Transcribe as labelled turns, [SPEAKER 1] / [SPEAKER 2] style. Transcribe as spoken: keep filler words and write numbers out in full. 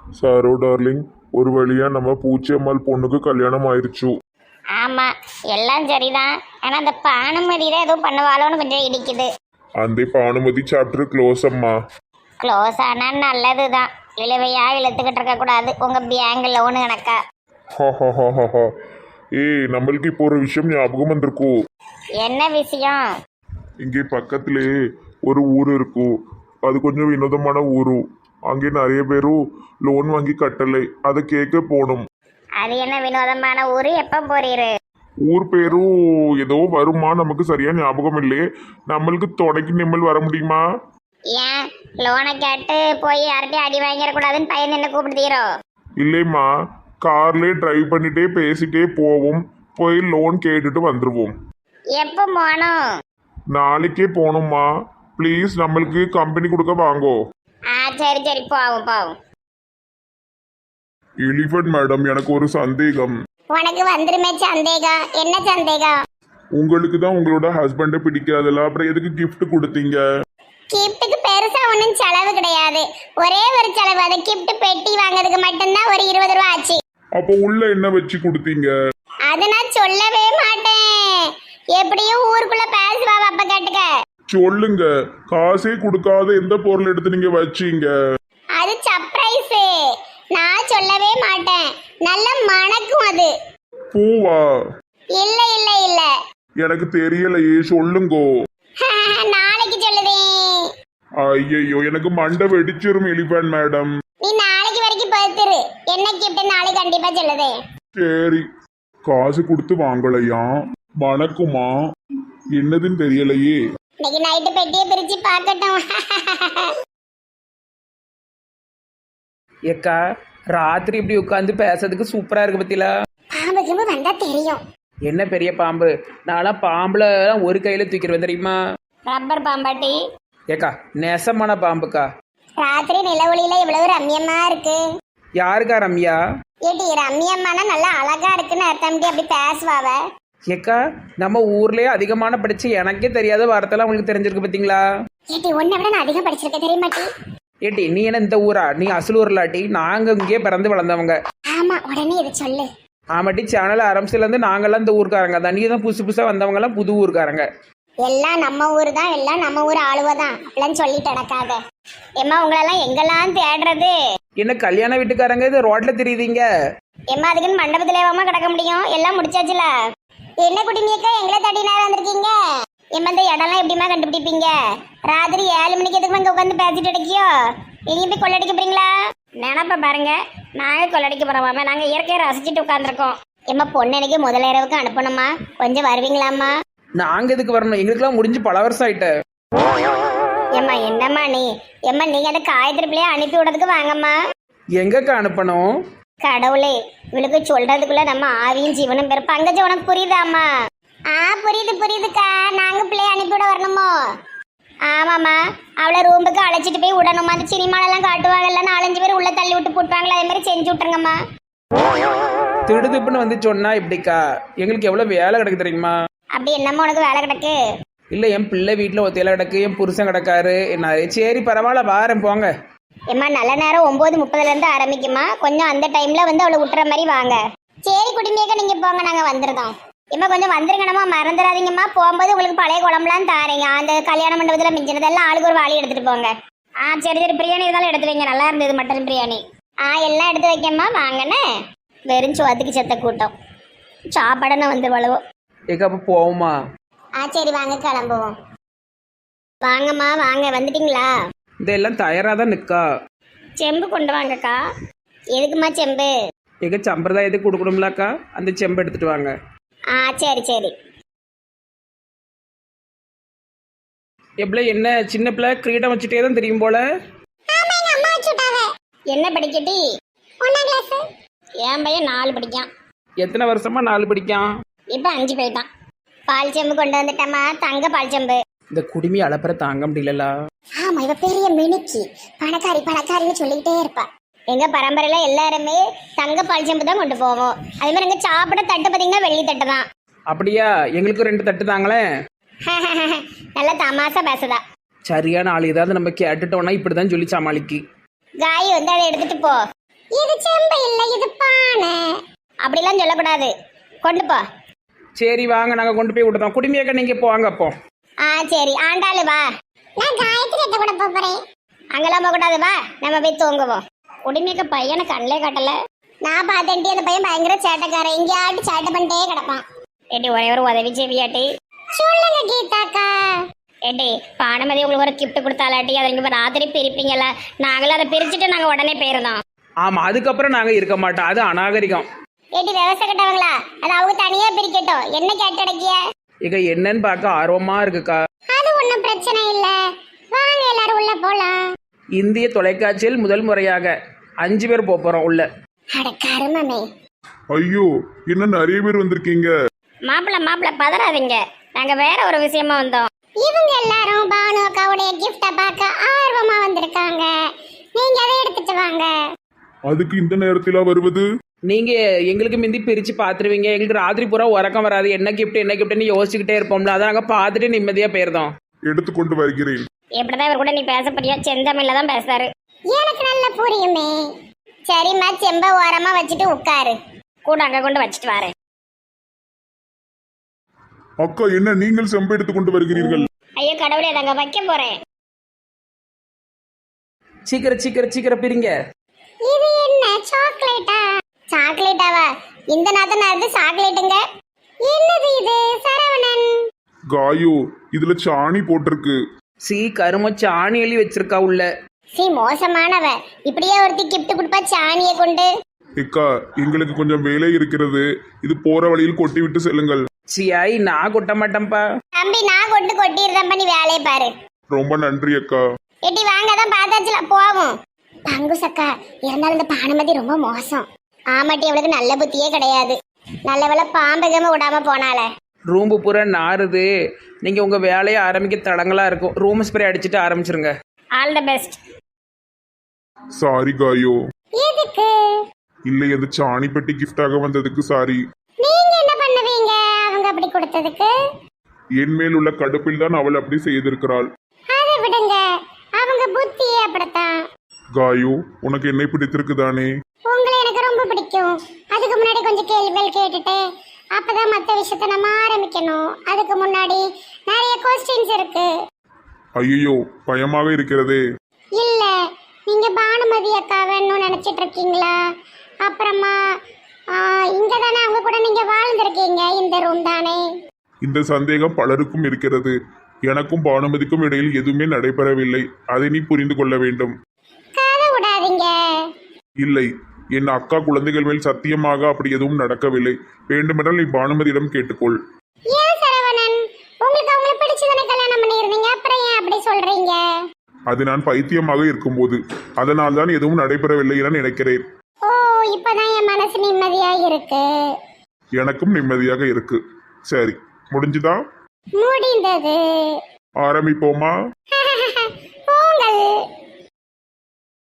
[SPEAKER 1] Sorrow darling, ஒரு வழியா நம்ம பூச்சியம்மாள் பொண்ணுக்கு கல்யாணம் ஆயிருச்சு.
[SPEAKER 2] ஆமா, எல்லாம் சரிதான். ஆனா அந்த பானுமதி தான் ஏதோ பண்ணுவாளோன்னு கொஞ்சம் இடிக்குது.
[SPEAKER 1] அந்த பானுமதி சாப்டர் க்ளோஸ் அம்மா.
[SPEAKER 2] க்ளோஸ் ஆனா நல்லதுதான். இழுவையா இழுத்துக்கிட்டு இருக்க கூடாது உங்க பேங்க் லோனு கணக்கா.
[SPEAKER 1] ஹஹஹஹஹ. ஏய், நம்மளுக்கு இப்போ ஒரு விஷயம் ஞாபகம் வந்திருக்கு.
[SPEAKER 2] என்ன விஷயம்?
[SPEAKER 1] இங்கே பக்கத்திலே ஒரு ஊர் இருக்கும். அது கொஞ்சம் வினோதமான ஊரு. அங்கே நிறைய பேரும் லோன் வாங்கி கட்டலை, அதை கேட்க போகணும்.
[SPEAKER 2] அது என்ன வினோதமான ஊரு? எப்ப போறீரு?
[SPEAKER 1] ஊர் பேரும் ஏதோ வருமா, நமக்கு சரியா ஞாபகம் இல்லையே. நம்மளுக்கு துணைக்கு நிம்மல் வர முடியுமா?
[SPEAKER 2] ஏன் லோனை கேட்டு போய் யார்கிட்டயும் அடி வாங்கிடக்கூடாதுன்னு பையன் என்ன கூப்பிடுதீரோ?
[SPEAKER 1] இல்லைம்மா, கார்லேயே டிரைவ் பண்ணிட்டே பேசிட்டே போவோம். போய் லோன் கேட்டுட்டு வந்துடுவோம்.
[SPEAKER 2] எப்போ போகணும்?
[SPEAKER 1] நாளைக்கே போகணும்மா. ப்ளீஸ், நம்மளுக்கு கம்பெனி கொடுக்க வாங்கோ.
[SPEAKER 2] ஆ சரி சரி, போவோம் போவோம்.
[SPEAKER 1] எலிஃபண்ட் மேடம், எனக்கு ஒரு சந்தேகம்.
[SPEAKER 2] உனக்கு வந்துருமே சந்தேகம். என்ன சந்தேகம்?
[SPEAKER 1] உங்களுக்கு தான் உங்களோட ஹஸ்பண்டை பிடிக்காதுல்ல, அப்புறம் எதுக்கு gift கொடுத்தீங்க?
[SPEAKER 2] கிஃப்ட்டுக்கு பெருசா ஒன்றும் செலவு கிடையாது. ஒரே ஒரு செலவு, அது கிஃப்ட் பெட்டி வாங்குறதுக்கு மட்டும்தான் ஒரு இருபது ரூபா ஆச்சு.
[SPEAKER 1] அப்போ உள்ள என்ன வச்சு கொடுத்தீங்க?
[SPEAKER 2] அதை நான் சொல்லவே மாட்டேன். எப்படியும் ஊருக்குள்ள பேசுவா, அப்ப கேட்டுக்க.
[SPEAKER 1] சொல்லுங்க. காசே கொடுக்காத எந்த பொருள் எடுத்து நீங்க வச்சீங்க?
[SPEAKER 2] அது சர்ப்ரைஸ், நான் சொல்லவே மாட்டேன். நல்ல மணக்கும் அது.
[SPEAKER 1] பூவா?
[SPEAKER 2] இல்ல இல்ல இல்ல.
[SPEAKER 1] எனக்கு தெரியலையே, சொல்லுங்கோ.
[SPEAKER 2] நாளைக்கு சொல்லுதேன்.
[SPEAKER 1] ஐயோ, எனக்கு மண்டை வெடிச்சிரும் எலிஃபண்ட் மேடம்.
[SPEAKER 2] நீ நாளைக்கு வரைக்கும் பார்த்துரு. என்ன கிஃப்ட் நாளைக்கு கண்டிப்பா சொல்லுதேன்.
[SPEAKER 1] சரி. காசு கொடுத்து வாங்கலையா? வணக்குமா? என்னதுன்னு தெரியலையே.
[SPEAKER 2] இன்னைக்கு நைட்டு பெட்டியை பிரிச்சு பார்க்கட்டும்.
[SPEAKER 3] ஏக்கா, ராத்திரி இப்படி உட்காந்து பேசுறதுக்கு சூப்பரா இருக்கு பத்தில.
[SPEAKER 2] பாம்பு கிம்பு வந்தா தெரியும்.
[SPEAKER 3] என்ன பெரிய பாம்பு? நான்லாம் பாம்புல ஒரு கையில தூக்கிடுவேன் தெரியுமா?
[SPEAKER 2] ரப்பர் பாம்பாட்டி.
[SPEAKER 3] ஏக்கா, நெசமான பாம்புக்கா.
[SPEAKER 2] ராத்திரி நிலவொளியில இவ்வளவு ரம்யமா இருக்கு.
[SPEAKER 3] யாருக்கா ரம்யா?
[SPEAKER 2] ஏட்டி ரம்யம்மானா நல்லா அழகா இருக்குன்னு அர்த்தம். அப்படி பேசுவாவ.
[SPEAKER 3] ஏக்கா, நம்ம ஊர்லயே அதிகமான படிச்சு எனக்கே தெரியாத வார்த்தைலாம் உங்களுக்கு தெரிஞ்சிருக்கு பாத்தீங்களா?
[SPEAKER 2] ஏட்டி உன்னை விட நான் அதிகம் படிச்சிருக்கேன் தெரியுமாட்டி?
[SPEAKER 3] ஏட்டி, நீ என்ன இந்த ஊரா? நீ அசலூர்லாட்டி. நாங்க இங்கேயே பிறந்து வளர்ந்தவங்க.
[SPEAKER 2] ஆமா, உடனே இதை சொல்லு.
[SPEAKER 3] ஆமாட்டி, சேனல் ஆரம்பிச்சுல இருந்து நாங்கெல்லாம் இந்த ஊருக்காரங்க தான். நீ தான் புதுசு புதுசா வந்தவங்க எல்லாம் புது ஊருக்காரங்க.
[SPEAKER 2] எல்லாம் நம்ம ஊர் தான், எல்லாம் நம்ம ஊர் ஆளுவதான் அப்படின்னு சொல்லிட்டு நடக்காத. எம்மா, உங்களெல்லாம் எங்கெல்லாம் தேடுறது?
[SPEAKER 3] என்ன கல்யாண வீட்டுக்காரங்க இது ரோட்ல தெரியுதீங்க?
[SPEAKER 2] எம்மா, அதுக்குன்னு மண்டபத்திலேவாம கிடக்க முடியும்? எல்லாம் முடிச்சாச்சுல. என்ன குடிமியக்கா எங்களை தட்டி நேரம் வந்திருக்கீங்க? எம்மா, இந்த இடம்லாம் எப்படிமா கண்டுபிடிப்பீங்க? ராத்திரி ஏழு மணிக்கு எதுக்கு இங்க உட்காந்து பேசிட்டு அடிக்கியோ? நீங்க போய் கொள்ளடிக்க போறீங்களா? நினப்ப பாருங்க, நாங்க கொள்ளடிக்க போறோமாம. நாங்க இயற்கையை ரசிச்சுட்டு உட்காந்துருக்கோம். எம்மா, பொண்ணு முதல் இரவுக்கு அனுப்பணுமா? கொஞ்சம் வருவீங்களாம்மா?
[SPEAKER 3] நாங்க எதுக்கு வரணும்? எங்களுக்குலாம் முடிஞ்சு பல வருஷம் ஆயிட்டு.
[SPEAKER 2] ஏம்மா, என்னம்மா நீ? எம்மா, நீங்க அந்த காயத்ரி பிள்ளைய அனுப்பி விடுறதுக்கு வாங்கம்மா.
[SPEAKER 3] எங்கக்கா அனுப்பணும்?
[SPEAKER 2] கடவுளே, இவளுக்கு சொல்றதுக்குள்ள நம்ம ஆவியும் ஜீவனும் பேர். பங்கஜ, உனக்கு புரியுதாம்மா? ஆ புரியுது புரியுதுக்கா. நாங்க பிள்ளைய அனுப்பிவிட வரணுமோ? ஆமாம்மா, அவளை ரூமுக்கு அழைச்சிட்டு போய் விடணுமா? அந்த சினிமாலெல்லாம் காட்டுவாங்கல்ல, நாலஞ்சு பேர் உள்ள தள்ளி விட்டு போட்டுவாங்களா, அதே மாதிரி செஞ்சு விட்டுருங்கம்மா.
[SPEAKER 3] திடுதுப்புன்னு வந்து சொன்னா இப்படிக்கா? எங்களுக்கு எவ்வளவு வேலை கிடக்கு தெரியுமா?
[SPEAKER 2] அப்படி என்னம்மா உனக்கு வேலை கிடக்கு?
[SPEAKER 3] இல்ல, என் பிள்ளை வீட்டுல ஒத்தையில கிடக்கு, என் புருஷன் கிடக்காரு. என்ன, சரி பரவாயில்ல, வாரேன் போங்க.
[SPEAKER 2] ஏம்மா, நல்ல நேரம் ஒன்பது முப்பதுல இருந்து ஆரம்பிக்குமா? கொஞ்சம் அந்த டைம்ல வந்து அவளை விட்டுற மாதிரி வாங்க. சரி குடிமையக்க, நீங்க போங்க, நாங்க வந்துருந்தோம். ஏம்மா, கொஞ்சம் வந்துருங்கண்ணம்மா, மறந்துடாதீங்கம்மா. போகும்போது உங்களுக்கு பழைய குழம்புலாம் தாரீங்க. அந்த கல்யாண மண்டபத்துல மிஞ்சினதெல்லாம் ஆளுக்கு ஒரு வாளி எடுத்துட்டு போங்க. ஆ சரி சரி. பிரியாணி இருந்தாலும் எடுத்து வைங்க, நல்லா இருந்தது மட்டன் பிரியாணி. ஆ எல்லாம் எடுத்து வைக்கம்மா, வாங்கண்ணே. வெறும் சோத்துக்கு செத்த கூட்டம். சாப்பாடுன்னு வந்து வளவும்.
[SPEAKER 3] ஏக்கா, அப்ப போவோமா?
[SPEAKER 2] ஆ சரி, வாங்க கிளம்புவோம். வாங்கம்மா வாங்க. வந்துட்டீங்களா?
[SPEAKER 3] இதெல்லாம் தயாரா தான் நிக்கா.
[SPEAKER 2] செம்பு கொண்டு வாங்கக்கா. எதுக்குமா செம்பு?
[SPEAKER 3] எங்க சம்பிரதாயத்துக்கு கொடுக்கணும்லாக்கா, அந்த செம்பு எடுத்துட்டு வாங்க.
[SPEAKER 2] ஆ சரி சரி.
[SPEAKER 3] எப்பல என்ன சின்ன பிள்ளை கிரீடம் வச்சுட்டே தான் தெரியும் போல.
[SPEAKER 2] என்ன படிக்கட்டி? ஒன்னாம் கிளாஸ். என் பையன் நாலு படிக்கான்.
[SPEAKER 3] எத்தனை வருஷமா நாலு படிக்கான்?
[SPEAKER 2] இப்ப அஞ்சு போயிட்டான். பால் செம்பு கொண்டு வந்துட்டேம்மா, தங்க பால் செம்பு.
[SPEAKER 3] இந்த குடுமி அளப்புற தாங்க முடியல.
[SPEAKER 2] ஆமா, இவ பெரிய மினிக்கி, பணக்காரி பணக்காரின்னு சொல்லிக்கிட்டே இருப்பா. எங்க பரம்பரையில எல்லாருமே தங்க பால் செம்பு தான் கொண்டு போவோம். அதே மாதிரி எங்க சாப்பிட தட்டு பாத்தீங்கன்னா வெள்ளி தட்டு தான்.
[SPEAKER 3] அப்படியா? எங்களுக்கு ரெண்டு தட்டு தாங்களே.
[SPEAKER 2] நல்ல தமாசா பேசுதா.
[SPEAKER 3] சரியான ஆள் ஏதாவது நம்ம கேட்டுட்டோம்னா இப்படிதான் சொல்லி சமாளிக்கு.
[SPEAKER 2] காய் வந்து அதை எடுத்துட்டு போ. இது செம்பு இல்ல இது பானை அப்படிலாம் சொல்லக்கூடாது. கொண்டு போ.
[SPEAKER 3] சரி வாங்க நாங்கள் கொண்டு போய் விட்டுறோம். குடும்பியக்கா நீங்கள் இப்போ வாங்க அப்போ.
[SPEAKER 2] ஆ சரி ஆண்டாளு வா. நான் காயத்ரி கிட்ட கூட போறேன். அங்கெல்லாம் போக கூடாது வா, நம்ம போய் தூங்குவோம். குடிமைக்க பையனை கண்ணிலே காட்டல. நான் பார்த்தேன்டி அந்த பையன் பயங்கர சேட்டைக்காரன், எங்கேயாட்டு சேட்டை பண்ணிட்டே கிடப்பான். ஏட்டி ஒரே ஒரு உதவி செய்வியாட்டி? சொல்லுங்க கீதாக்கா. ஏட்டி பானுமதி உங்களுக்கு ஒரு கிஃப்ட் கொடுத்தாலாட்டி அதை நீங்க ராத்திரி பிரிப்பீங்கல்ல, நாங்களும் அதை பிரிச்சுட்டு நாங்க உடனே போயிருந்தோம்.
[SPEAKER 3] ஆமாம் அதுக்கப்புறம் நாங்கள் இருக்க மாட்டோம், அது அநாகரிகம்.
[SPEAKER 2] ஏட்டி விவசாய கட்டவங்களா, அது அவங்க தனியா பிரிக்கட்டும். என்ன கேட்டடக்கிய?
[SPEAKER 3] இங்க என்னன்னு பார்க்க ஆர்வமாக இருக்குக்கா.
[SPEAKER 2] அது ஒன்றும் பிரச்சனை இல்லை, வாங்க எல்லாரும் உள்ள போலாம்.
[SPEAKER 3] இந்திய தொலைக்காட்சியில் முதல் முறையாக அஞ்சு பேர் போக போகிறோம் உள்ள.
[SPEAKER 2] அட கருமமே.
[SPEAKER 1] ஐயோ என்ன நிறைய பேர் வந்திருக்கீங்க.
[SPEAKER 2] மாப்பிள்ள மாப்பிள்ள பதறாதீங்க, நாங்க வேற ஒரு விஷயமா வந்தோம். இவங்க எல்லாரும் பானு அக்காவுடைய கிஃப்ட பார்க்க ஆர்வமா வந்திருக்காங்க. நீங்க அதை எடுத்துட்டு வாங்க.
[SPEAKER 1] அதுக்கு இந்த நேரத்திலா வருவது?
[SPEAKER 3] நீங்கள் எங்களுக்கு முந்தி பிரித்து பார்த்துருவீங்க. எங்களுக்கு ராத்திரி பூரா உறக்கம் வராது, என்ன கிஃப்ட் என்ன கிஃப்ட்னு யோசிச்சுக்கிட்டே இருப்போம்ல, அதை நாங்கள் பார்த்துட்டு நிம்மதியாக போயிருந்தோம்.
[SPEAKER 1] எடுத்துக்கொண்டு வருகிறேன்.
[SPEAKER 2] எப்படிதான் இவர் கூட நீ பேச போறியா? செந்தமிழ்ல தான் பேசுறாரு. எனக்கு நல்ல புரியுமே. சரிம்மா செம்ப ஓரமா வச்சுட்டு உட்காரு. கூட அங்க கொண்டு வச்சுட்டு வாரு.
[SPEAKER 1] அக்கா என்ன நீங்கள் செம்பு எடுத்துக்கொண்டு வருகிறீர்கள்?
[SPEAKER 2] ஐயோ கடவுளே, அங்க வைக்க போறேன்.
[SPEAKER 3] சீக்கிரம் சீக்கிரம் சீக்கிரம் பிரிங்க.
[SPEAKER 2] இது என்ன சாக்லேட்டா? சாக்லேட்டாவா? இந்த நாத்த நேரத்து சாக்லேட்டுங்க. என்னது இது? சரவணன்.
[SPEAKER 1] காயோ இதுல சாணி போட்டிருக்கு.
[SPEAKER 3] சி கரும சாணி எழுதி வச்சிருக்கா உள்ள.
[SPEAKER 2] சி மோசமானவ, இப்படியே ஒருத்தி கிஃப்ட் கொடுப்பா சாணியை கொண்டு.
[SPEAKER 1] ஏக்கா எங்களுக்கு கொஞ்சம் வேலை இருக்கிறது, இது போற வழியில் கொட்டி விட்டு செல்லுங்கள்.
[SPEAKER 3] சியாய் நான் கொட்ட மாட்டேன்ப்பா.
[SPEAKER 2] தம்பி நான் கொண்டு கொட்டிடுறேன், பண்ணி வேலையை பாரு.
[SPEAKER 1] ரொம்ப நன்றி அக்கா.
[SPEAKER 2] எட்டி வாங்க தான் பார்த்தாச்சுல போவோம். பங்குசக்கா இருந்தாலும் இந்த பானுமதி ரொம்ப மோசம். ஆமாட்டி அவளுக்கு நல்ல புத்தியே கிடையாது. நல்ல வேலை பாம்பகம விடாம போனால.
[SPEAKER 3] ரூம்பு பூரா நாறுது, நீங்கள் உங்கள் வேலையை ஆரம்பிக்க தடங்களாக இருக்கும். ரூம் ஸ்ப்ரே அடிச்சுட்டு ஆரம்பிச்சிருங்க.
[SPEAKER 2] All the best.
[SPEAKER 1] சாரி காயோ.
[SPEAKER 2] எதுக்கு?
[SPEAKER 1] இல்லை அது சாணி பெட்டி கிஃப்டாக வந்ததுக்கு சாரி.
[SPEAKER 2] நீங்க என்ன பண்ணுவீங்க அவங்க அப்படி கொடுத்ததுக்கு?
[SPEAKER 1] என் மேல் உள்ள கடுப்பில் தான் அவள் அப்படி செய்திருக்கிறாள்.
[SPEAKER 2] அதை விடுங்க, அவங்க புத்தியே அப்படித்தான்.
[SPEAKER 1] காயோ உனக்கு என்னை பிடித்திருக்குதானே?
[SPEAKER 2] உங்களை எனக்கு ரொம்ப பிடிக்கும். அதுக்கு முன்னாடி கொஞ்சம் கேள்விகள் கேட்டுட்டு அப்பதான் மற்ற விஷயத்த நம்ம ஆரம்பிக்கணும். அதுக்கு முன்னாடி நிறைய கொஸ்டின்ஸ் இருக்கு.
[SPEAKER 1] ஐயோ பயமாக இருக்கிறதே.
[SPEAKER 2] இல்ல நீங்க பானுமதி அக்கா வேணும்னு நினைச்சிட்டு இருக்கீங்களா? அப்புறமா இங்க தானே அவங்க கூட நீங்க வாழ்ந்திருக்கீங்க, இந்த ரூம் தானே.
[SPEAKER 1] இந்த சந்தேகம் பலருக்கும் இருக்கிறது. எனக்கும் பானுமதிக்கும் இடையில் எதுவுமே நடைபெறவில்லை, அதை நீ புரிந்து கொள்ள வேண்டும்.
[SPEAKER 2] கதை விடாதீங்க.
[SPEAKER 1] இல்லை என் அக்கா குழந்தைகள் மேல் சத்தியமாக அப்படி எதுவும் நடக்கவில்லை. வேண்டுமென்றால் நீ பானுமதியிடம் கேட்டுக்கொள்.
[SPEAKER 2] ஏன் சரவணன், உங்களுக்கு அவங்களை பிடிச்சதானே கல்யாணம் பண்ணிருந்தீங்க, அப்புறம் ஏன் அப்படி சொல்றீங்க?
[SPEAKER 1] அது நான் பைத்தியமாக இருக்கும்போது, அதனால் தான் எதுவும் நடைபெறவில்லை என நினைக்கிறேன்.
[SPEAKER 2] ஓ இப்பதான் என் மனசு நிம்மதியா இருக்கு.
[SPEAKER 1] எனக்கும் நிம்மதியாக இருக்கு. சரி முடிஞ்சுதா?
[SPEAKER 2] முடிந்தது.
[SPEAKER 1] ஆரம்பிப்போமா?
[SPEAKER 2] ஆ